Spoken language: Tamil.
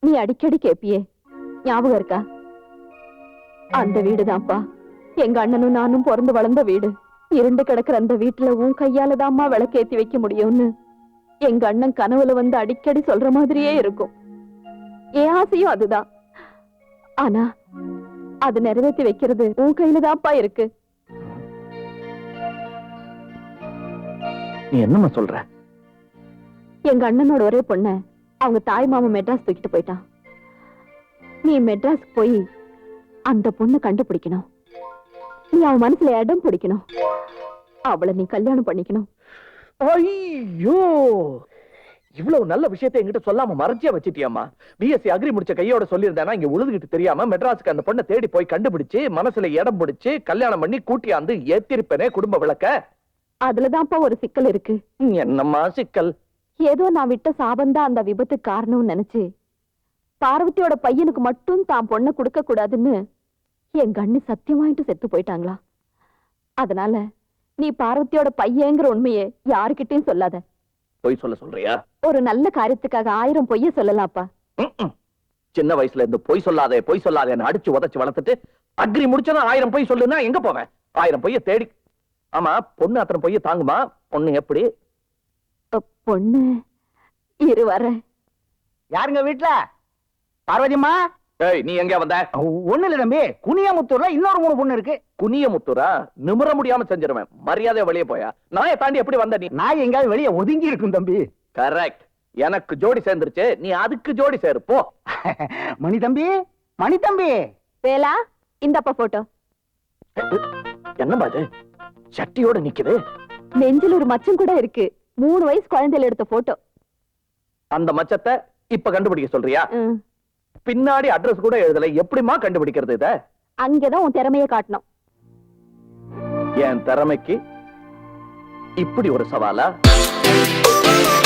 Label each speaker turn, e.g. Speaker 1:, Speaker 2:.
Speaker 1: நீ அடிக்கடி கேப்பியே, ஞாபகம் இருக்கா? அந்த வீடுதான்ப்பா எங்க அண்ணனும் நானும் பிறந்து வளர்ந்த வீடு. இருண்டு கிடக்குற அந்த வீட்டுல உன் கையாலதாம்மா விளக்கேத்தி வைக்க முடியும்னு எங்க அண்ணன் கனவுல வந்து அடிக்கடி சொல்ற மாதிரியே இருக்கும். என் ஆசையும் அதுதான். ஆனா அது நிறைவேற்றி வைக்கிறது உன் கையில தான்ப்பா இருக்கு.
Speaker 2: நீ என்னம்மா சொல்ற?
Speaker 1: எங்க அண்ணனோட ஒரே பொண்ண அவங்க தாய் மாமா மெட்ராஸ் தூக்கிட்டு போயிட்டான். நீ மெட்ராஸ் போய் அந்த பொண்ணை கண்டுபிடிக்கணும். நீ அவன் மனசுல இடம் பிடிக்கணும். அவளை நீ கல்யாணம் பண்ணிக்கணும்.
Speaker 2: ஐயோ, இவ்வளவு நல்ல விஷயத்தை என்கிட்ட சொல்லாம மறைச்சியா வச்சிட்டியம்மா. பிஎஸ்சி அக்ரி முடிச்ச கையோட சொல்லியிருந்தேன்னா இங்க உழுதுகிட்டு தெரியாம மெட்ராஸுக்கு அந்த பொண்ணை தேடி போய் கண்டுபிடிச்சு மனசுல இடம் பிடிச்சு கல்யாணம் பண்ணி கூட்டியாந்து ஏத்திருப்பேனே குடும்ப விளக்க.
Speaker 1: அதுலதான்ப்பா ஒரு சிக்கல் இருக்கு.
Speaker 2: என்னம்மா சிக்கல்?
Speaker 1: ஏதோ நான் விட்ட சாபந்தான் அந்த விபத்துக்கு காரணம்னு நினைச்சு பார்வதியோட பையனுக்கு மட்டும் தான் பொண்ணை கொடுக்க கூடாதுன்னு எங்க அண்ணி சத்தியம் வாங்கிட்டு செத்து போயிட்டாங்களா. அதனால நீ பார்வதியோட பையங்கிற உண்மையை யாருக்கிட்டையும் சொல்லாத.
Speaker 2: பொய் சொல்றியா?
Speaker 1: ஒரு நல்ல காரியத்துக்காக 1000 பொய்ய சொல்லலாம்ப்பா.
Speaker 2: சின்ன வயசுல இருந்து பொய் சொல்லாதேன்னு அடிச்சு உதச்சு வளர்த்துட்டு அக்ரி முடிச்சதும் 1000 பொய் சொல்லுன்னா எங்க போவேன்? 1000 பொய்ய தேடி. ஆமா, பொண்ணு அத்தனை பொய்ய தாங்குமா? பொண்ணு எப்படி?
Speaker 1: பொண்ணு இரு வர.
Speaker 3: யாருங்க வீட்டுல? பார்வதிம்மா.
Speaker 2: ஏய், நீ எங்க வந்த?
Speaker 3: ஒண்ணு இல்ல தம்பி, குனியாமுத்தூர்ல இன்னொரு 3 பொண்ணு இருக்கு.
Speaker 2: குனியமுத்தூரா? நிமிர முடியாம செஞ்சிருவேன். மரியாதையா வெளியே போயா. நாயை தாண்டி எப்படி வந்த நீ?
Speaker 3: நான் எங்காவது வெளியே ஒதுங்கி இருக்கும் தம்பி.
Speaker 2: கரெக்ட். எனக்கு ஜோடி சேர்ந்துருச்சு, நீ அதுக்கு ஜோடி சேரு போ.
Speaker 3: மணி தம்பி, மணி தம்பி.
Speaker 1: வேலா, இந்தப்பா போட்டோ.
Speaker 2: என்னம்மா இது சட்டியோட நிக்குது?
Speaker 1: நெஞ்சில் ஒரு மச்சம் கூட இருக்கு. 3 வயசு குழந்தையில எடுத்த போட்டோ.
Speaker 2: அந்த மச்சத்தை இப்ப கண்டுபிடிக்க சொல்றியா? பின்னாடி அட்ரஸ் கூட எழுதல, எப்படிமா கண்டுபிடிக்கிறது இத?
Speaker 1: அங்கதான் உன் திறமையை காட்டணும்.
Speaker 2: என் திறமைக்கு இப்படி ஒரு சவாலா?